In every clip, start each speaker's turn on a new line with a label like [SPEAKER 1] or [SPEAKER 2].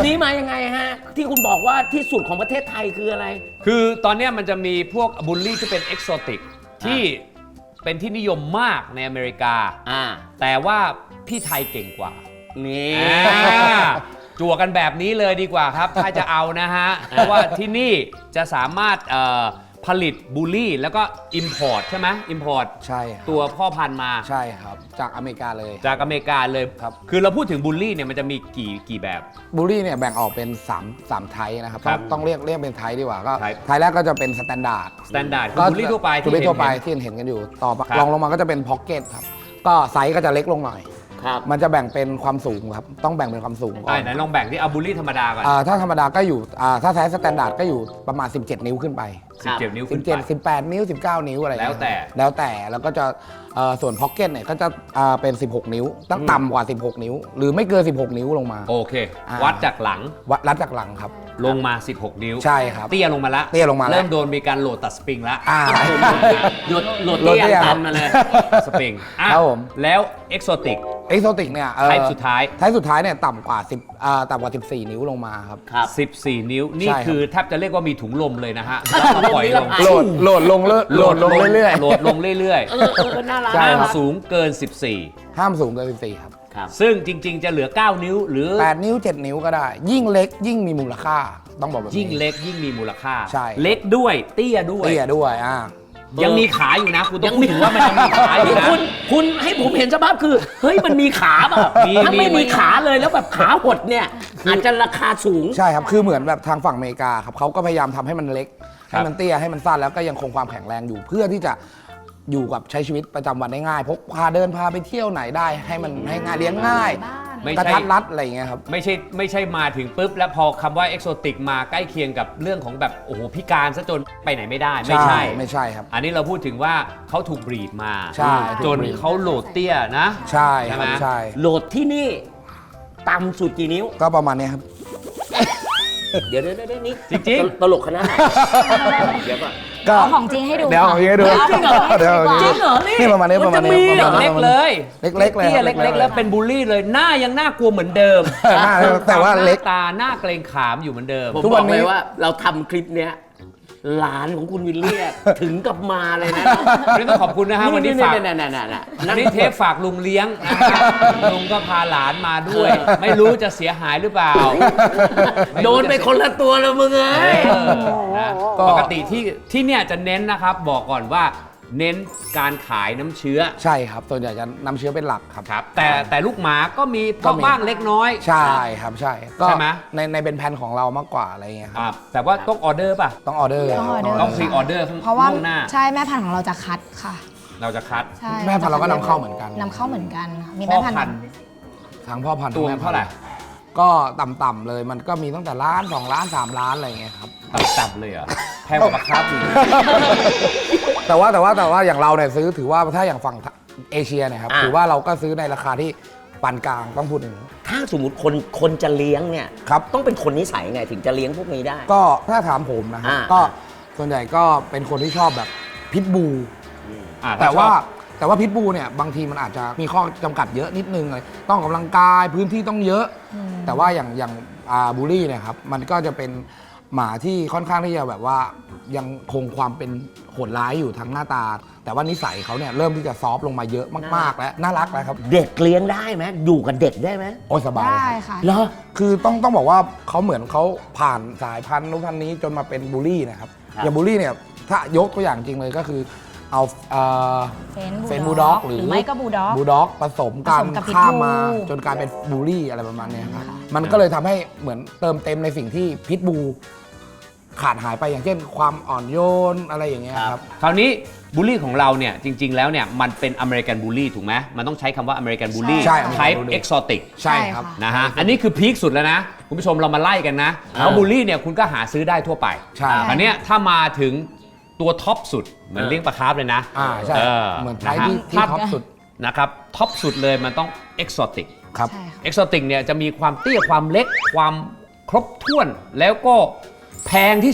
[SPEAKER 1] นี้มายังไงฮะที่คุณบอกว่าที่สุดของประเทศไทยคืออะไร
[SPEAKER 2] คือตอนนี้มันจะมีพวกบูลลี่ที่เป็นเอกโซติกที่เป็นที่นิยมมากในอเมริกาแต่ว่าพี่ไทยเก่งกว่า
[SPEAKER 1] นี่
[SPEAKER 2] จั่วกันแบบนี้เลยดีกว่าครับถ้าจะเอานะฮะเพราะว่าที่นี่จะสามารถผลิตบูลลี่แล้วก็ Import ใช่ไหม Import
[SPEAKER 3] ใช่
[SPEAKER 2] ตัวพ่อพันธุ์มา
[SPEAKER 3] ใช่ครับจากอเมริกาเลย
[SPEAKER 2] จากอเมริกาเลย
[SPEAKER 3] ครับ
[SPEAKER 2] คือเราพูดถึงบูลลี่เนี่ยมันจะมีกี่แบบ
[SPEAKER 3] บูลลี่เนี่ยแบ่งออกเป็น3ไทป์นะครับต้องเรียกเป็นไทป์ดีกว่าก็ไทป์แรกก็จะเป็นสแตนดาร์ด
[SPEAKER 2] คือบูลลี่ทั่วไป
[SPEAKER 3] ที่เห็นกันอยู่ต่อรองลงมาก็จะเป็นพ็อกเก็ตครับก็ไซส์ก็จะเล็กลงหน่อยมันจะแบ่งเป็นความสูงครับต้องแบ่งเป็นความสูงก่อน
[SPEAKER 2] ไหนลองแบ่งที่เอาบูลลี่ธรรมดาก่อน
[SPEAKER 3] ถ้าธรรมดาก็อยู่ถ้าไซส์สแตนดาร์ดก็อยู่ประมาณ17นิ้วขึ้นไป
[SPEAKER 2] 17นิ้วขึ้นไป
[SPEAKER 3] 18นิ้ว19นิ้วอะไร
[SPEAKER 2] แล้วแต่
[SPEAKER 3] แล้วก็จะส่วนพ็อกเก็ตเนี่ยก็จะเป็น16นิ้วต้องต่ำกว่า16นิ้วหรือไม่เกิน16นิ้วลงมา
[SPEAKER 2] โอเควัดจากหลัง
[SPEAKER 3] วัดจากหลังครับ
[SPEAKER 2] ลงมา16นิ้ว
[SPEAKER 3] ใช่ครับ
[SPEAKER 2] เตี้ยลงมาแล้วเริ่มโดนมีการโหลดตัดสปริงแล้ว
[SPEAKER 1] โหลดเตี้ยตันมาเลย
[SPEAKER 2] สปริง
[SPEAKER 3] ครับผม
[SPEAKER 2] แล้วเอ็กโซติก
[SPEAKER 3] เนี่ย
[SPEAKER 2] ไทป์สุดท้
[SPEAKER 3] ายเนี่ยต่ำกว่า14นิ้วลงมาครับ
[SPEAKER 2] 14นิ้วนี่คือแทบจะเรียกว่ามีถุงลมเลยนะฮะปล่อยลง
[SPEAKER 3] โหลดลงเรื่อย
[SPEAKER 2] โหลดลงเรื่อยห้ามสูงเกิน14
[SPEAKER 3] ห้ามสูงเกิน14ครับ
[SPEAKER 2] ซึ่งจริงๆจะเหลือ9นิ้วหรือ
[SPEAKER 3] 8นิ้ว7นิ้วก็ได้ยิ่งเล็กยิ่งมีมูลค่าต้องบอกแบบนี้
[SPEAKER 2] ยิ่งเล็กยิ่งมีมูลค่า
[SPEAKER 3] ใช่
[SPEAKER 2] เล็กด้วยเตี้ยด้วยยังมีขาอยู่นะคุณต้องพูดถึงว่ามันยังมีขาอยู่นะ
[SPEAKER 1] คุณให้ผมเห็นสภาพคือเฮ้ยมันมีขาเปล่าถ้าไม่มีขาเลยแล้วแบบขาหดเนี่ยอาจจะราคาสูง
[SPEAKER 3] ใช่ครับคือเหมือนแบบทางฝั่งอเมริกาครับเขาก็พยายามทำให้มันเล็กให้มันเตี้ยให้มันสั้นแล้วก็ยังคงความแข็งแรงอยู่เพื่อที่จะอยู่กับใช้ชีวิตประจำวันได้ง่ายพกพาเดินพาไปเที่ยวไหนได้ให้มันให้ง่ายเลี้ยงง่ายกระทัดรัดอะไรอย่างเงี้ยครับ
[SPEAKER 2] ไม่ใช่มาถึงปุ๊บแล้วพอคำว่าเอ็กโซติกมาใกล้เคียงกับเรื่องของแบบโอ้โหพิการซะจนไปไหนไม่ได้ไม่ใช่
[SPEAKER 3] ครับ
[SPEAKER 2] อันนี้เราพูดถึงว่าเขาถูกบรีดมาจนเขาโหลดเตี้ยนะ
[SPEAKER 3] ใช่ไหม
[SPEAKER 1] โหลดที่นี่ต่ำสุดกี่นิ้ว
[SPEAKER 3] ก็ประมาณนี้ครับ
[SPEAKER 1] เดี๋ยวนี่
[SPEAKER 2] จริง
[SPEAKER 1] ตลกขนาดไหนเดี๋ยว
[SPEAKER 3] ก็
[SPEAKER 4] ของจริงให้ดู
[SPEAKER 3] เดี๋ยวของจริงให้ดู
[SPEAKER 1] จริงเหรอ
[SPEAKER 3] นี่ประมาณนี้
[SPEAKER 2] เล็กเลย
[SPEAKER 3] เล็กเลย
[SPEAKER 2] เล็กแล้วเป็นบูลลี่เลยหน้ายังน่ากลัวเหมือนเดิม
[SPEAKER 3] แต่ว่าเล็ก
[SPEAKER 2] ตาหน้าเกรงขามอยู่เหมือนเดิม
[SPEAKER 1] ผมบอกเลยว่าเราทำคลิปเนี้ยหลานของคุณวิลเลียถึงกับมาเลยนะ
[SPEAKER 2] นี่ต้องขอบคุณนะฮะวันนี้ฝากวันนี้เทปฝากลุงเลี้ยงลุงก็พาหลานมาด้วยไม่รู้จะเสียหายหรือเปล่า
[SPEAKER 1] โดนไปคนละตัวแล้วมึงเอ้ย
[SPEAKER 2] ปกติที่เนี่ยจะเน้นนะครับบอกก่อนว่าเน้นการขายน้ำเชื้อ
[SPEAKER 3] ใช่ครับส่วนใหญ่จะน้ำเชื้อเป็นหลักครับ
[SPEAKER 2] แต่ลูกหมาก็มีบ้างเล็กน้อย
[SPEAKER 3] ใช่ครับใช่ก็ในเป็นแผนของเรามากกว่าอะไรเงี้ยครับ
[SPEAKER 2] แต่ว่าต้องออเดอร์ป่ะ
[SPEAKER 3] ต้องออเดอร์
[SPEAKER 2] ต้องพรีออเดอร์
[SPEAKER 4] เพราะว่าใช่แม่พันธุ์ของเราจะคัดค่ะ
[SPEAKER 2] เราจะคัด
[SPEAKER 3] แม่พันธุ์เราก็นำเข้าเหมือนกัน
[SPEAKER 4] มีแม่พันธุ์
[SPEAKER 3] ทั้งพ่อพันธุ์
[SPEAKER 2] ตัวเท่าไหร่
[SPEAKER 3] ก็ต่ำๆเลยมันก็มีตั้งแต่1 ล้าน 2 ล้าน 3 ล้านอะไรเงี้ยครับ
[SPEAKER 2] ต่ำเลยเหรอแพงกว่าปลาคาร์ฟอีก
[SPEAKER 3] แต่ว่าอย่างเราเนี่ยซื้อถือว่าถ้าอย่างฝั่งเอเชียเนี่ยครับถือว่าเราก็ซื้อในราคาที่ปานกลางต้องพูดถึง
[SPEAKER 1] ถ้าสมมติคนจะเลี้ยงเนี่ยต้องเป็นคนนิสัยไงถึงจะเลี้ยงพวกนี้ได้
[SPEAKER 3] ก็ถ้าถามผมนะครับก็ส่วนใหญ่ก็เป็นคนที่ชอบแบบพิทบูแต่ว่าพิทบูเนี่ยบางทีมันอาจจะมีข้อจำกัดเยอะนิดนึงเลยต้องกำลังกายพื้นที่ต้องเยอะแต่ว่าอย่างบูลลี่เนี่ยครับมันก็จะเป็นหมาที่ค่อนข้างที่จะแบบว่ายังคงความเป็นโหดร้ายอยู่ทั้งหน้าตาแต่ว่านิสัยเขาเนี่ยเริ่มที่จะซอฟต์ลงมาเยอะมากๆแล้วน่ารักแล้วครับ
[SPEAKER 1] เด็กเลี้ยงได้ไหมอยู่กับเด็กได้ไหม
[SPEAKER 3] โอ้สบาย
[SPEAKER 4] ได้ค่ะ
[SPEAKER 1] เหรอ
[SPEAKER 3] คือต้องบอกว่าเขาเหมือนเขาผ่านสายพันธุ์นู้นพันธุ์นี้จนมาเป็นบูลลี่นะครับอย่างบูลลี่เนี่ยถ้ายกตัวอย่างจริงเลยก็คือเอาเฟนบูลด็อกหรือ
[SPEAKER 4] ไม่ก็บูล
[SPEAKER 3] ด็อกผสมกันข้ามมาจนกลายเป็นบูลลี่อะไรประมาณนี้ครับมันก็เลยทำให้เหมือนเติมเต็มในสิ่งที่พิทบูขาดหายไปอย่างเช่นความอ่อนโยนอะไรอย่างเงี้ยครับ
[SPEAKER 2] คราวนี้บูลลี่ของเราเนี่ยจริงๆแล้วเนี่ยมันเป็นอเมริกันบูลลี่ถูกไหมมันต้องใช้คำว่าอเมริกันบูลลี่ไทป์เอ็กซอติก
[SPEAKER 3] ใช่ครับ
[SPEAKER 2] นะฮะอันนี้คือพีคสุดแล้วนะคุณผู้ชมเรามาไล่กันนะเพราะบูลลี่เนี่ยคุณก็หาซื้อได้ทั่วไป
[SPEAKER 3] ใช่
[SPEAKER 2] อันนี้ถ้ามาถึงตัวท็อปสุดเหมือนเลี้ยงปลาคาร์ฟเลยนะ
[SPEAKER 3] ใช่เหมือนไทป์ที่ท็อปสุด
[SPEAKER 2] นะครับท็อปสุดเลยมันต้องเอ็กซอติก
[SPEAKER 3] ครับ
[SPEAKER 2] เอ็กซอติกเนี่ยจะมีความเตี้ยความเล็กความครบถ้วนแล้วก็แพงที่สุด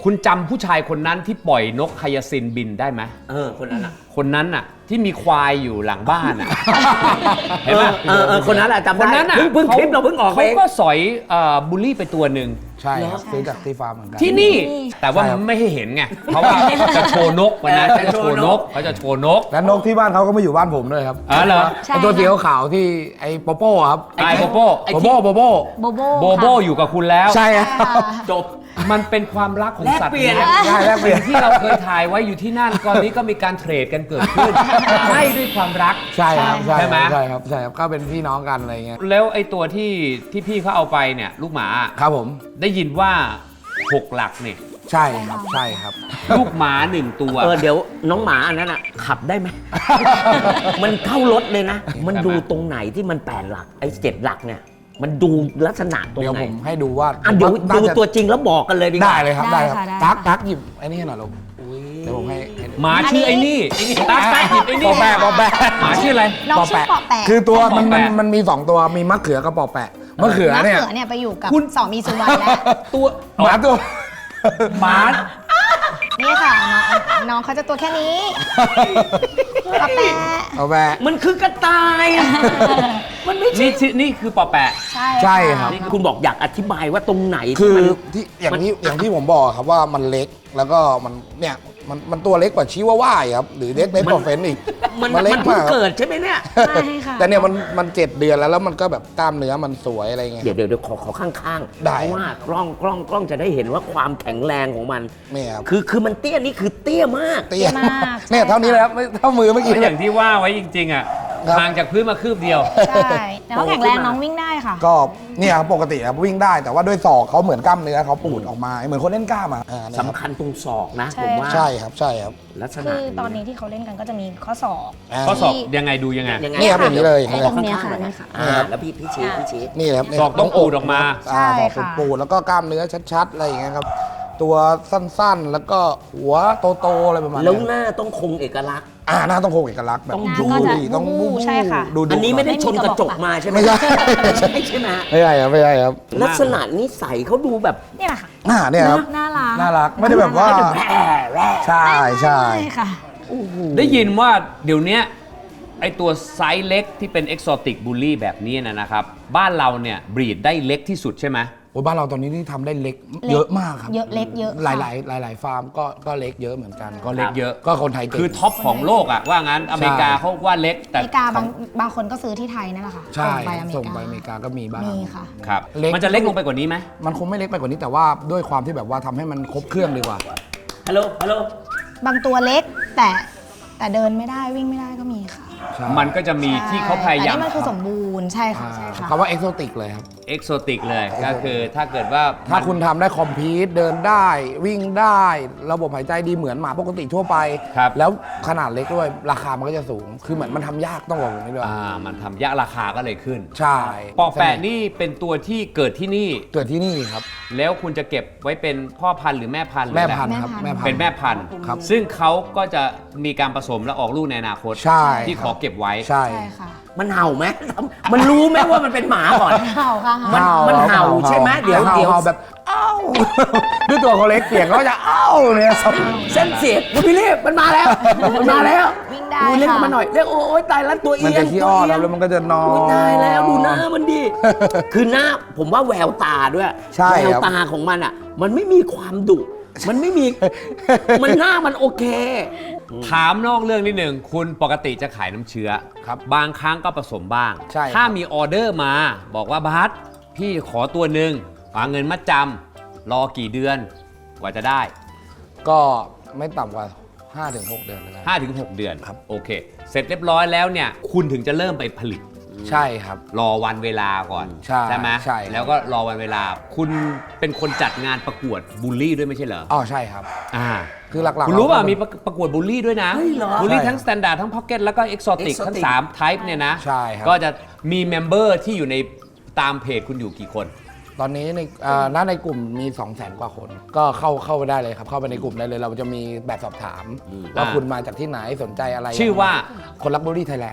[SPEAKER 2] คุณจำผู้ชายคนนั้นที่ปล่อยนกไฮยาซินบินได้ไหม
[SPEAKER 1] คนนั้นอ่ะ
[SPEAKER 2] คนนั้นน่ะที่มีควายอยู่หลังบ้านอ่ะ เห็นไหม
[SPEAKER 1] คนนั้นแหละจำ
[SPEAKER 2] คน
[SPEAKER 1] ได้
[SPEAKER 2] นั้นอ่ะ
[SPEAKER 1] เพิ่งคลิปเราเพิ่งออกไป
[SPEAKER 2] เขาก็สอยบูลลี่ไปตัวหนึ่ง
[SPEAKER 3] ใช่ครับซื้อจากที่ฟาร์มเหมือนกัน
[SPEAKER 2] ที่นี่แต่ว่า
[SPEAKER 3] ใช่ครับ
[SPEAKER 2] ไม่ให้เห็นไง เพราะว่าจะโชว์นกวันนั้นจะโชว์นกเขาจะโชว์นก
[SPEAKER 3] และนกที่บ้านเขาก็มาอยู่บ้านผมด้วยครับ
[SPEAKER 2] อ๋อเหรอ
[SPEAKER 4] ใช่
[SPEAKER 3] ไอตัวสีขาวๆที่ไอโปโป้ครับ
[SPEAKER 2] ไอโบโบ
[SPEAKER 3] โบโบโบโบ
[SPEAKER 4] โบโบ
[SPEAKER 2] โบโบอยู่กับคุณแล้ว
[SPEAKER 3] ใช่ครับ
[SPEAKER 1] จบ
[SPEAKER 2] มันเป็นความรักของสัตว์
[SPEAKER 1] แลกเปลี่ยน
[SPEAKER 2] เลี้ยง
[SPEAKER 3] ใช่แลกเปลี่ยน
[SPEAKER 2] ที่เราเคยถ่ายไว้อยู่ที่นั่นตอนนี้ก็มีการเทรดกันเกิดขึ้นให้ด้วยความรัก
[SPEAKER 3] ใช่ครับใช่
[SPEAKER 2] ใช่ไหม
[SPEAKER 3] ใช่ครับใช่ครับก็เป็นพี่น้องกันอะไรเงี้ย
[SPEAKER 2] แล้วไอ้ตัวที่พี่เขาเอาไปเนี่ยลูกหมา
[SPEAKER 3] ครับผม
[SPEAKER 2] ได้ยินว่า 6 หลักเนี่ย
[SPEAKER 3] ใช่ครับใช่ครับ
[SPEAKER 2] ลูกหมา 1 ตัว
[SPEAKER 1] เดี๋ยวน้องหมาอันนั้นอ่ะขับได้ไหม มันเข้ารถเลยนะ มันดูตรงไหนที่มัน8 หลักไอ้7 หลักเนี่ย มันดูลักษณะตรง
[SPEAKER 3] เดี๋ยว
[SPEAKER 1] ไหน
[SPEAKER 3] ผมให้ดูว่า
[SPEAKER 1] เดี๋ยว
[SPEAKER 3] น่า
[SPEAKER 1] ดู
[SPEAKER 3] จะ
[SPEAKER 1] ตัวจริงแล้วบอกกันเลยดีกว่า
[SPEAKER 3] ได้เลยครับ
[SPEAKER 4] ได้
[SPEAKER 3] ได้ครับ
[SPEAKER 4] ค่ะได้
[SPEAKER 3] ตักหยิบไอ้นี่ให้หน่อยลูกเดี๋ยวผมให้ดู
[SPEAKER 2] หมาชื่อไอ้นี่ตั๊กหยิบไอ้นี่
[SPEAKER 3] ปอแปะปอแปะ
[SPEAKER 2] หมาชื่ออะไร
[SPEAKER 4] น้องชื่อปอแปะ
[SPEAKER 3] คือตัวมัน
[SPEAKER 2] ปอแปะ
[SPEAKER 3] มันมี2ตัวมีมะเขือกับปอแปะมะเขือ
[SPEAKER 4] มะ
[SPEAKER 3] เนี่ย
[SPEAKER 4] เขือเนี่ยไปอยู่กับ
[SPEAKER 2] คุณ
[SPEAKER 4] สองมีสุวรรณแล้ว
[SPEAKER 2] ตัว
[SPEAKER 3] หมาตัว
[SPEAKER 2] หมา
[SPEAKER 4] นี่ค่ะน้องเขาจะตัวแค่นี้ปอแปะ
[SPEAKER 3] ปอแปะ
[SPEAKER 1] มันคือกระต่าย มันไม่ใช่
[SPEAKER 2] นี่คือปอแปะ
[SPEAKER 4] ใช่
[SPEAKER 3] ใช่ครับ
[SPEAKER 1] นี่คุณบอกอยากอธิบายว่าตรงไหน
[SPEAKER 3] คือ
[SPEAKER 1] มัน
[SPEAKER 3] ที่อย่างที่ผมบอกครับว่ามันเล็กแล้วก็มันเนี่ยมันตัวเล็กกว่าชิวาว่าอีกครับหรือเล็กกว่าเฟนอีก
[SPEAKER 1] มัน
[SPEAKER 3] เล็ก
[SPEAKER 1] เพิ่ง
[SPEAKER 3] มากครับ
[SPEAKER 1] เกิดใช่ไหมเนี่ย
[SPEAKER 4] ใช่ค่ะ
[SPEAKER 3] แต่เนี่ยมัน7 เดือนแล้วมันก็แบบกล้ามเนื้อมันสวยอะไรเงี้ย
[SPEAKER 1] เดี๋ยวขอข้างๆ
[SPEAKER 3] ได้
[SPEAKER 1] เพราะว่ากล้องจะได้เห็นว่าความแข็งแรงของมัน
[SPEAKER 3] เนี่ยครับ
[SPEAKER 1] คือมันเตี้ยนี่คือเตี้ยมาก
[SPEAKER 3] เตี้ย
[SPEAKER 4] มาก
[SPEAKER 3] เนี่ยเท่านี้เลยครับไม่เท่ามือเมื่อกี้
[SPEAKER 2] อ
[SPEAKER 3] เลย
[SPEAKER 2] ย่างที่ว่าไว้จริงๆอ่ะ
[SPEAKER 3] ครับ
[SPEAKER 2] ห่างจากพื้นมาคืบเดียว
[SPEAKER 4] ใช่แต่ว่าแข็งแรงน้องวิ่งได้ค่ะ
[SPEAKER 3] ก็เนี่ยครับปกติครับวิ่งได้แต่ว่าด้วยศอกเขาเหมือนกล้ามเนื้อเขาปูดออกมาเหมือนคนเล่นกล้ามอ่ะนะ
[SPEAKER 1] สำคัญตรงศอกนะ
[SPEAKER 4] ใช่
[SPEAKER 1] ผมว่า
[SPEAKER 3] ใช่ครับใช่ครับ
[SPEAKER 1] ลักษณะ
[SPEAKER 4] คือตอนนี้ที่เขาเล่นกันก็จะมีข้อศอก
[SPEAKER 2] ข้อสอบยังไงดูยังไง
[SPEAKER 1] ยังไง
[SPEAKER 3] นี่ครับอย่างนี้เลย
[SPEAKER 4] ไอ้ตรงเนี้ยค่ะ
[SPEAKER 1] ข้างๆหน่อย
[SPEAKER 4] นี่ค่ะ
[SPEAKER 1] แล้วพี่ชี้
[SPEAKER 3] นี่ครับ
[SPEAKER 2] ศอกต้องปูดออกมา
[SPEAKER 4] ใช่
[SPEAKER 3] ศอก
[SPEAKER 4] ค่ะ
[SPEAKER 3] ปูดแล้วก็กล้ามเนื้อชัดๆอะไรอย่างเงี้ยครับตัวสั้นๆแล้วก็หัวโตๆอะไรประมาณ
[SPEAKER 1] แล้ว
[SPEAKER 3] นี้
[SPEAKER 1] หน้าต้องคงเอกลักษณ์
[SPEAKER 3] หน้าต้องคงเอกลักษณ์แบบ
[SPEAKER 1] ต้อง
[SPEAKER 4] หน้าก็จะ
[SPEAKER 3] ต้อง
[SPEAKER 4] บู๊ใช่ค่ะ
[SPEAKER 3] ดู
[SPEAKER 1] อันนี้ไม่ได้
[SPEAKER 4] ไม่มี
[SPEAKER 1] ชนกระจก
[SPEAKER 4] กระบอก
[SPEAKER 1] มาใช่ไหม
[SPEAKER 3] ไม่ใช่
[SPEAKER 1] ใช่ไหมฮะ
[SPEAKER 3] ไม่ใช่ครับไม่ใช่ครับ
[SPEAKER 1] ลักษณะนิสัยเขาดูแบบ
[SPEAKER 4] นี่แหละค่ะ
[SPEAKER 3] เนี่ยครับ
[SPEAKER 4] น่ารัก
[SPEAKER 3] น่ารักไม่ได้แบบว่าใช่ใช่
[SPEAKER 4] ค่ะ
[SPEAKER 2] ได้ยินว่าเดี๋ยวเนี้ยไอตัวไซส์เล็กที่เป็นเอ็กโซติกบูลลี่แบบนี้นะครับ บ้านเราเนี่ยบรีดได้เล็กที่สุดใช่ไหม
[SPEAKER 3] โอ้ยบ้านเราตอนนี้นี่ทำได้เล็ก
[SPEAKER 4] เล็ก
[SPEAKER 3] เยอะมากครับ
[SPEAKER 4] เยอะเล็กเยอะ
[SPEAKER 3] ห
[SPEAKER 4] ค่ะ
[SPEAKER 3] ลายฟาร์มก็เล็กเยอะเหมือนกัน
[SPEAKER 2] ก็เล็กเยอะ
[SPEAKER 3] ก็คนไทยเก่ง
[SPEAKER 2] คือท็อปของโลกอะว่างั้นอเมริกาเขาว่าเล็ก
[SPEAKER 4] อ
[SPEAKER 2] แต่
[SPEAKER 4] เมริกาบางคนก็ซื้อที่ไทยนั่นแหละค่ะ
[SPEAKER 3] ใช่
[SPEAKER 4] ส่งไปอเมริกา
[SPEAKER 3] ส่งไปอเมริกาก็มีบ้าง
[SPEAKER 4] มีค่ะ
[SPEAKER 2] ครับ
[SPEAKER 3] เล็ก
[SPEAKER 2] มันจะเล็กลงไปกว่านี้ไหม
[SPEAKER 3] มันคงไม่เล็กไปกว่านี้แต่ว่าด้วยความที่แบบว่าทำให้มันครบเครื่องดีกว่า
[SPEAKER 1] ฮัลโหล
[SPEAKER 4] บางตัวเล็กแต่เดินไม่ได้วิ่งไม่ได้ก็มีค่ะ
[SPEAKER 3] ใช่
[SPEAKER 2] มันก็จะมีที่เขาพยายาม
[SPEAKER 4] แต่นี่มันคือสมบูรณ์ใช่ค่ะใช่ค่ะ
[SPEAKER 3] คำว่าเอ็กโซติกเลยครับ
[SPEAKER 2] เอ็กโซติกเลยก็คือถ้าเกิดว่า
[SPEAKER 3] ถ้าคุณทำได้คอมพิวต์เดินได้วิ่งได้ ระบบหายใจดีเหมือนหมาปกติทั่วไป
[SPEAKER 2] ครับ
[SPEAKER 3] แล้วขนาดเล็กด้วยราคามันก็จะสูง คือเหมือนมันทำยากต้องบอกอย่างนี้ด้วย
[SPEAKER 2] มันทำยากราคาก็เลยขึ้น
[SPEAKER 3] ใช่
[SPEAKER 2] ปอแปะนี่เป็นตัวที่เกิดที่นี่
[SPEAKER 3] เกิดที่นี่ครับ
[SPEAKER 2] แล้วคุณจะเก็บไว้เป็นพ่อพันธุ์หรือแม่พันธุ์หรือ
[SPEAKER 3] แม่
[SPEAKER 2] อะไร
[SPEAKER 3] พันธุ์ครับ
[SPEAKER 4] แม่
[SPEAKER 3] แม่
[SPEAKER 4] พันธุ์
[SPEAKER 3] พัน
[SPEAKER 2] เป็น
[SPEAKER 3] ธุ์
[SPEAKER 2] แม่พันธุ์
[SPEAKER 3] ครับ
[SPEAKER 2] ซึ่งเขาก็จะมีการผสมและออกลูกในอนาคต
[SPEAKER 3] ใช่
[SPEAKER 2] ที่ขอเก็บไว้
[SPEAKER 3] ใช่
[SPEAKER 4] ใช่ค่ะ
[SPEAKER 1] มันเห่าไหมมันรู้ไหมว่ามันเป็นหมาก่อน
[SPEAKER 4] เห่าค่ะ
[SPEAKER 1] มันเห่าใช่ไหมเดี๋ยว
[SPEAKER 3] เห่าแบบเอ้า ด้วยตัวเขาเล็กเสียงเขาจะเอ้าเนี่ย
[SPEAKER 1] เส้นเสียงคุณพี่เรียบมันมาแล้วมันมาแล้ว
[SPEAKER 4] วิ่งได้
[SPEAKER 1] ดูเรียก
[SPEAKER 4] ค่ะ
[SPEAKER 1] มันหน่อยเรียกโอ้ยตายแล้วตัวเอี
[SPEAKER 3] มัน
[SPEAKER 1] ย
[SPEAKER 3] จะ
[SPEAKER 1] ง
[SPEAKER 3] ขี้อ้อน
[SPEAKER 1] ตัวเยง
[SPEAKER 3] แล้วมันก็จะนอน
[SPEAKER 1] โอ้ยตายแล้วดูหน้ามันดิ คือหน้าผมว่าแววตาด้วย
[SPEAKER 3] ใช่
[SPEAKER 1] แวว
[SPEAKER 3] ครับ
[SPEAKER 1] ตาของมันอ่ะ มันไม่มีความดุ มันไม่มี มันหน้ามันโอเค
[SPEAKER 2] ถามนอกเรื่องนิดหนึ่งคุณปกติจะขายน้ำเชื้อ
[SPEAKER 3] ครับ
[SPEAKER 2] บางครั้งก็ผสมบ้าง
[SPEAKER 3] ใช่ครับ
[SPEAKER 2] ถ้ามีออเดอร์มา บอกว่าบาสพี่ขอตัวหนึ่งวางเงินมัดจำรอกี่เดือนกว่าจะได้
[SPEAKER 3] ก็ไม่ต่ำกว่า 5-6 เดือนเลยนะ
[SPEAKER 2] 5-6 เดือน
[SPEAKER 3] ครับ
[SPEAKER 2] โอเค เสร็จเรียบร้อยแล้วเนี่ย คุณถึงจะเริ่มไปผลิต
[SPEAKER 3] ใช่ครับ
[SPEAKER 2] รอวันเวลาก่อน
[SPEAKER 3] ใช่
[SPEAKER 2] ไหม
[SPEAKER 3] ใช่ครับ
[SPEAKER 2] แล้วก็รอวันเวลา คุณเป็นคนจัดงานประกวดบูลลี่ด้วยไม่ใช่เหรอ
[SPEAKER 3] อ๋อใช่ครับ
[SPEAKER 2] อ่า
[SPEAKER 3] คือหลักๆ
[SPEAKER 2] คุณรู้ป่ะ
[SPEAKER 3] เก็
[SPEAKER 2] มีประกวดบูลลี่ด้วยนะ
[SPEAKER 1] เฮ้ยเหรอ
[SPEAKER 2] บูลลี่
[SPEAKER 3] ใช่
[SPEAKER 2] ทั้งสแตนดาร์ดทั้งพ็อกเก็ตแล้วก็เอ็กโซติก
[SPEAKER 1] Exotic
[SPEAKER 2] ทั้ง3 type เนี่ยนะ
[SPEAKER 3] ใช่ครับ
[SPEAKER 2] ก็จะมีเมมเบอร์ที่อยู่ในตามเพจคุณอยู่กี่คน
[SPEAKER 3] ตอนนี้ในกลุ่มมี 200,000 กว่าคน ก็เข้าไปได้เลยครับ เข้าไปในกลุ่มได้เลย เราจะมีแบบสอบถามว่า
[SPEAKER 2] อ่า
[SPEAKER 3] คุณมาจากที่ไหนสนใจอะไร
[SPEAKER 2] ชื่อว่า
[SPEAKER 3] คนรักบุรีไทยแลนด์ครับ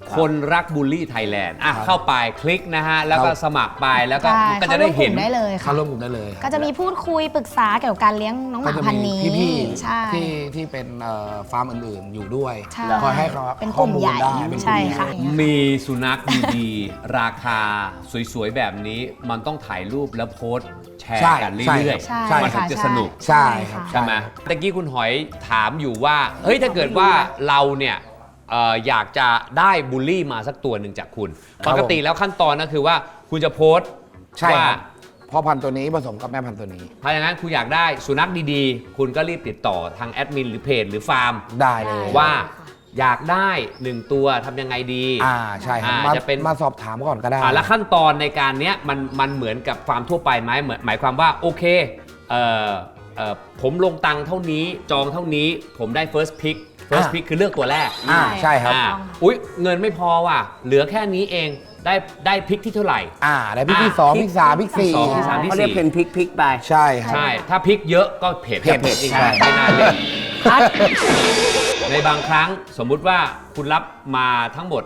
[SPEAKER 2] คนรักบูลลี่ไทยแลนด์เข้าไปคลิกนะฮะ แล้วก็
[SPEAKER 3] ครับ
[SPEAKER 2] สมัครไปแล้วก็
[SPEAKER 4] ใช่
[SPEAKER 2] ก็จะได้เห็น
[SPEAKER 4] ข้าร่วมกลุ่มได้เลยค่ะ
[SPEAKER 3] เข้าร่วมกลุ่มได้เลยครับ
[SPEAKER 4] ก็จะมีพูดคุยปรึกษาเกี่ยวกับการเลี้ยงน้องห
[SPEAKER 3] ก็
[SPEAKER 4] มา
[SPEAKER 3] จะ
[SPEAKER 4] พันธุ์
[SPEAKER 3] มี
[SPEAKER 4] นี้
[SPEAKER 3] พี่
[SPEAKER 4] ใช่
[SPEAKER 3] ๆที่เป็นฟาร์มอื่นๆอยู่ด้วย
[SPEAKER 4] ใช่
[SPEAKER 3] คอยให้เขา
[SPEAKER 4] เป็นก
[SPEAKER 3] ข้อ
[SPEAKER 4] ลุ่ม
[SPEAKER 3] มูล
[SPEAKER 4] ใหญ่
[SPEAKER 3] ได้เป็นกลุ่ม
[SPEAKER 4] ใช่
[SPEAKER 3] ใหญ่
[SPEAKER 4] ค่ะ
[SPEAKER 2] มีสุนัขดีๆ ราคาสวยๆ แบบนี้ มันต้องถ่ายรูปแล้วโพสต์แชร์กันเรื่อย
[SPEAKER 4] ใช่
[SPEAKER 2] ๆ มันถึงจะสนุก
[SPEAKER 3] ใช่ครับ
[SPEAKER 2] ใช่ไหมตะกี้คุณหอยถามอยู่ว่า เฮ้ย ถ้าเกิดว่าเราเนี่ยอยากจะได้บูลลี่มาสักตัวหนึ่งจากคุณ
[SPEAKER 3] ครั
[SPEAKER 2] ป
[SPEAKER 3] บ
[SPEAKER 2] กติแล้วขั้นตอนก็คือว่าคุณจะโพสต์
[SPEAKER 3] ใช่ค
[SPEAKER 2] ว่า
[SPEAKER 3] รับพ่อพันธุ์ตัวนี้ผสมกับแม่พันธุ์ตัวนี้
[SPEAKER 2] ถ้าอย่างนั้นคุณอยากได้สุนัขดีๆ คุณก็รีบติดต่อทางแอดมินหรือเพจหรือฟาร์ม
[SPEAKER 3] ได้เลย
[SPEAKER 2] ว่าอยากได้ 1 ตัวทำยังไงดี
[SPEAKER 3] ใช่ครับ
[SPEAKER 2] จะเป็น
[SPEAKER 3] มาสอบถามก่อนก็ได้
[SPEAKER 2] แล้วขั้นตอนในการเนี้ยมันเหมือนกับฟาร์มทั่วไปไหมหมายความว่าโอเคผมลงตังค์เท่านี้จองเท่านี้ผมได้ first pick คือเลือกตัวแรก
[SPEAKER 3] ใช่ครับ
[SPEAKER 2] อุ๊ยเงินไม่พอว่ะเหลือแค่นี้เองได้พิกที่เท่าไหร่
[SPEAKER 3] ได้พิกที่ 2 พิก 3 พิก
[SPEAKER 2] สองที่สาม
[SPEAKER 3] 4
[SPEAKER 1] เขาเรียกเป็นพลิกไป
[SPEAKER 3] ใช่ครับ
[SPEAKER 2] ใช่ ถ้าพิกเยอะก็เพจ
[SPEAKER 3] เพจ
[SPEAKER 2] จริง
[SPEAKER 3] ใช่
[SPEAKER 2] ไม่น่าเล่นในบางครั้งสมมุติว่าคุณรับมาทั้งหมด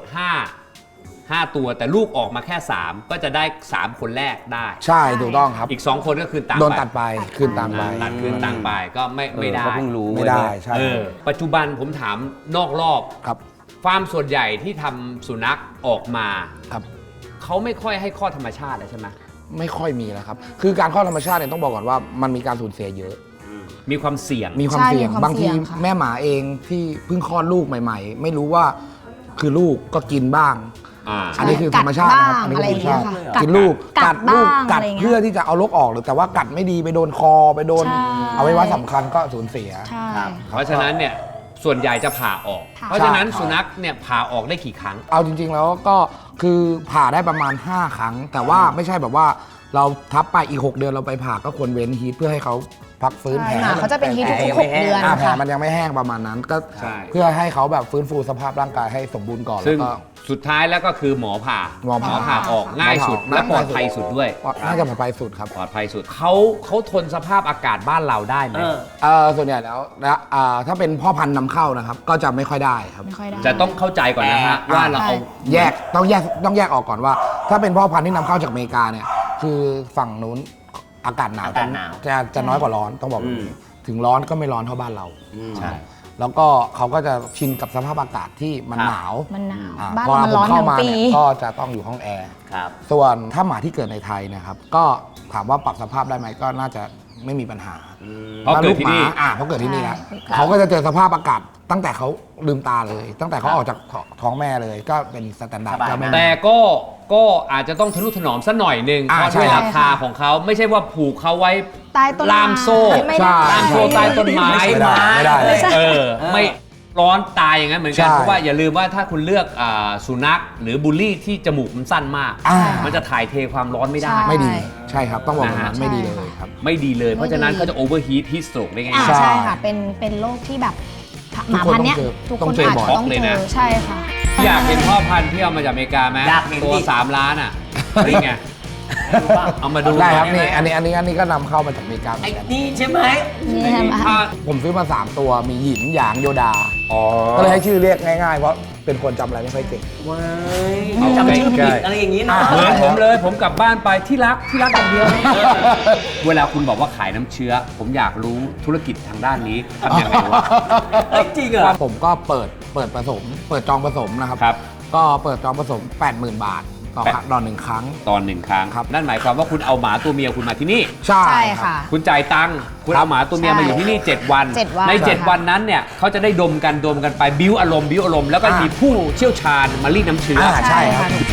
[SPEAKER 2] 5ตัวแต่ลูกออกมาแค่ 3 ก็จะได้ 3 คนแรกได้
[SPEAKER 3] ใช่ถูกต้องครับ
[SPEAKER 2] อีก 2 คนก็คือต่าง
[SPEAKER 3] โดน
[SPEAKER 2] ไป
[SPEAKER 3] ตัดไปคืนตังไป
[SPEAKER 2] ตัดคืนต่างไปก็ไม่ได้
[SPEAKER 1] ก็เพิ่งรู้
[SPEAKER 3] ไม่ได้ใช่
[SPEAKER 2] ปัจจุบันผมถามนอกรอบ
[SPEAKER 3] ครับ
[SPEAKER 2] ฟาร์มส่วนใหญ่ที่ทำสุนัขออกมา
[SPEAKER 3] ครับ
[SPEAKER 2] เขาไม่ค่อยให้ข้อธรรมชาติแล้วใช่ไหม
[SPEAKER 3] ไม่ค่อยมีแล้วครับ คือการคลอดธรรมชาติเนี่ยต้องบอกก่อนว่ามันมีการสูญเสียเยอะ
[SPEAKER 2] มีความเสี่ยง
[SPEAKER 3] มีความ
[SPEAKER 4] ใช่
[SPEAKER 3] เสี่ยง
[SPEAKER 4] มีความ
[SPEAKER 3] บางที
[SPEAKER 4] เสี่ยงค่ะ
[SPEAKER 3] แม่หมาเองที่เพิ่งคลอดลูกใหม่ ๆ ไม่รู้ว่าคือลูกก็กินบ้าง อันนี้คือธรรมชาตินะครับ อันนี้คือธรรมชาติ
[SPEAKER 4] กัดบ้าง
[SPEAKER 3] กินลูก
[SPEAKER 4] กัด
[SPEAKER 3] ลูก
[SPEAKER 4] บ้าง
[SPEAKER 3] กัด
[SPEAKER 4] อะไรอย่างเงี้ย
[SPEAKER 3] เพื่อที่จะเอาลกออกหรือแต่ว่ากัดไม่ดีไปโดนคอไปโดน
[SPEAKER 4] ใช่
[SPEAKER 3] เอาไว้ว่าสำคัญก็สูญเสีย
[SPEAKER 4] ใช่
[SPEAKER 1] ครับ
[SPEAKER 2] เพราะฉะนั้นเนี่ยส่วนใหญ่จะผ่าออก
[SPEAKER 4] ค่ะ
[SPEAKER 2] เพราะฉะนั้น
[SPEAKER 3] ใช่
[SPEAKER 2] สุนัขเนี่ยผ่าออกได้กี่ครั้ง
[SPEAKER 3] เอาจริง ๆ แล้วก็คือผ่าได้ประมาณ 5 ครั้ง แต่ว่าไม่ใช่แบบว่าเราทับไปอีก 6 เดือนเราไปผ่าก็ควรเว้นฮีทเพื่อให้เขาพักฟื้นแผล
[SPEAKER 4] หมาเขาจะเป็นฮีททุก
[SPEAKER 1] แผล
[SPEAKER 4] ๆ6 เดือน
[SPEAKER 3] แผล
[SPEAKER 4] ค่ะ
[SPEAKER 3] มันยังไม่แห้งประมาณนั้นก็
[SPEAKER 2] ใช่
[SPEAKER 3] เพื่อให้เขาแบบฟื้นฟูสภาพร่างกายให้สมบูรณ์ก่อน
[SPEAKER 2] ซึ่
[SPEAKER 3] แล้
[SPEAKER 2] ง
[SPEAKER 3] วก็
[SPEAKER 2] สุดท้ายแล้วก็คือหมอผ่า
[SPEAKER 3] หมอผ่า
[SPEAKER 2] ออกง่ายสุด
[SPEAKER 3] หมอผ่า
[SPEAKER 2] และปลอดภัยสุดด้วย
[SPEAKER 3] น่าจะปลอดภัยสุดครับ
[SPEAKER 2] ปลอดภัยสุดเขาทนสภาพอากาศบ้านเราได้ไหม
[SPEAKER 3] ส่วนใหญ่แล้วถ้าเป็นพ่อพันธุ์นำเข้านะครับ ก็จะไม่ค่อยได้ครับ
[SPEAKER 4] ไม่ค่อยได้
[SPEAKER 2] จะต้องเข้าใจก่อนนะฮะว่าเราเอา
[SPEAKER 3] ต้องแยกออกก่อนว่า ถ้าเป็นพ่อพันธุ์ที่นำเข้าจากอเมริกาเนี่ย คือฝั่งนู้นอากาศหนาว
[SPEAKER 1] อากาศหนาว
[SPEAKER 3] จะน้อยกว่าร้อนต้องบอกแบบนี้ถึงร้อนก็ไม่ร้อนเท่าบ้านเรา
[SPEAKER 2] ใช่
[SPEAKER 3] แล้วก็เขาก็จะชินกับสภาพอากาศที่มัน
[SPEAKER 1] ครับ
[SPEAKER 3] หนาว
[SPEAKER 4] มันหนาว
[SPEAKER 3] อ่
[SPEAKER 4] บ้าน
[SPEAKER 3] พอ
[SPEAKER 4] เรามันร้อน
[SPEAKER 3] เข้า
[SPEAKER 4] ทั้ง
[SPEAKER 3] มา
[SPEAKER 4] ปี
[SPEAKER 3] เนี่ยก็จะต้องอยู่ห้องแอร์
[SPEAKER 1] ครับ
[SPEAKER 3] ส่วนถ้าหมาที่เกิดในไทยนะครับ ก็ถามว่าปรับสภาพได้ไหมก็น่าจะไม่มีปัญหา
[SPEAKER 2] เพราะเกิดที่นี่
[SPEAKER 3] เพราะเกิดที่นี่นะ
[SPEAKER 4] ใช่
[SPEAKER 3] เขาก็จะเจอสภาพอากาศตั้งแต่เขาลืมตาเลย ตั้งแต่เขาออกจากท้องแม่เลยก็เป็นสแตนดาร์ด
[SPEAKER 1] สบาย
[SPEAKER 3] ก็ไม่
[SPEAKER 2] แต่ก็อาจจะต้องทนุถนอมสักหน่อยหนึ่งเพราะ
[SPEAKER 3] ใช่
[SPEAKER 2] ด้วยราคาของเขาไม่ใช่ว่าผูกเขาไว้
[SPEAKER 4] ใต้ต้นไม้
[SPEAKER 2] ล่ามโซ่
[SPEAKER 4] ไม่ได้
[SPEAKER 3] ใช่
[SPEAKER 2] ล่ามโซ่ใต้ต้นไม้
[SPEAKER 3] ไม่ได้
[SPEAKER 2] ไม่ร้อนตายอย่างนั้นเหมือนกัน
[SPEAKER 3] ใช่
[SPEAKER 2] เพราะว่าอย่าลืมว่าถ้าคุณเลือกสุนัขหรือบูลลี่ที่จมูกมันสั้นมาก มันจะถ่ายเทความร้อนไม่ได้
[SPEAKER 4] ใช่
[SPEAKER 3] ไม่ดีใช่ครับต้องบอกแบบนั้น
[SPEAKER 2] นะฮะ
[SPEAKER 3] ไม่ดีเลยครับ
[SPEAKER 2] ไม่ดีเลย เพราะฉะนั้นเขาจะโอเวอร์ฮีทฮีทสโตรกได้ง่าย
[SPEAKER 4] อ่า
[SPEAKER 3] ใช่
[SPEAKER 4] ใช่ค่ะ เป็นโรคที่แบบหมาพันธุ์เนี้ย
[SPEAKER 3] ทุ
[SPEAKER 4] ทุ
[SPEAKER 3] ก
[SPEAKER 4] ก
[SPEAKER 3] ค
[SPEAKER 4] คน น
[SPEAKER 3] ต้องเจอ
[SPEAKER 4] อาจ
[SPEAKER 3] บ่อย
[SPEAKER 4] จะต้อง
[SPEAKER 2] เลย
[SPEAKER 4] เจ
[SPEAKER 2] นะ
[SPEAKER 4] อใช่ค่ะ
[SPEAKER 2] อยากเห็นพ่อพันธุ์ที่เอามาจากอเมริกาไหม
[SPEAKER 1] อยากเห็น
[SPEAKER 2] ตัว
[SPEAKER 1] ดิ
[SPEAKER 2] 3 ล้านอ่ะนี่ไงเอามาดู
[SPEAKER 3] ได้ครับ
[SPEAKER 2] หน่
[SPEAKER 3] นี่
[SPEAKER 2] อย
[SPEAKER 3] อันนี้ก็นำเข้ามาจากอเมริกาเหมื
[SPEAKER 1] ไอ้
[SPEAKER 3] อนกัน
[SPEAKER 1] นี่ใช่ไหม
[SPEAKER 4] นี่ใช่ไหม
[SPEAKER 2] ถ้า
[SPEAKER 3] ผมซื้อมา 3 ตัวมีหยินหยางโยดา
[SPEAKER 2] อ๋อ
[SPEAKER 3] ก็เลยให้ชื่อเรียกง่ายๆ เพราะเป็นคนจำอะไรไม่ค่อยเก่ง
[SPEAKER 1] ว้าย
[SPEAKER 2] เอา
[SPEAKER 1] จำชื่อ
[SPEAKER 2] ใกล้
[SPEAKER 1] ผิด
[SPEAKER 2] ๆ
[SPEAKER 1] อะไรอย่างนี้นะ
[SPEAKER 2] เหมือนผมเลยผมกลับบ้านไปที่รักอย่างเดียว เวลาคุณบอกว่าขายน้ำเชื้อ ผมอยากรู้ธุรกิจทางด้านนี้ทำยังไงวะ
[SPEAKER 1] เอ้ยจริงเหรอ
[SPEAKER 3] ผมก็เปิดผสม เปิดจองผสมนะครับ
[SPEAKER 2] ครับ
[SPEAKER 3] ก็เปิดจองผสม 80,000 บาทต่อครั้งต่อ1 ครั้ง
[SPEAKER 2] ตอน1 ครั้ง
[SPEAKER 3] ครับ
[SPEAKER 2] นั่นหมายความว่าคุณเอาหมาตัวเมียคุณมาที่นี่
[SPEAKER 3] ใช่
[SPEAKER 4] ใช่
[SPEAKER 3] ครับ
[SPEAKER 4] ค่ะ
[SPEAKER 2] คุณจ่ายตังค์คุณเอาหมาตัวเมีย
[SPEAKER 4] ใช่
[SPEAKER 2] มาอยู่ที่นี่ 7 วัน
[SPEAKER 4] 7 วัน
[SPEAKER 2] ใน
[SPEAKER 4] ใช่
[SPEAKER 2] 7 วันนั้นเนี่ยเขาจะได้ดมกันไปบิ้วอารมณ์ แล้วก็มีผู้เชี่ยวชาญมารีดน้ำเชื้อ
[SPEAKER 3] ใช่ครับ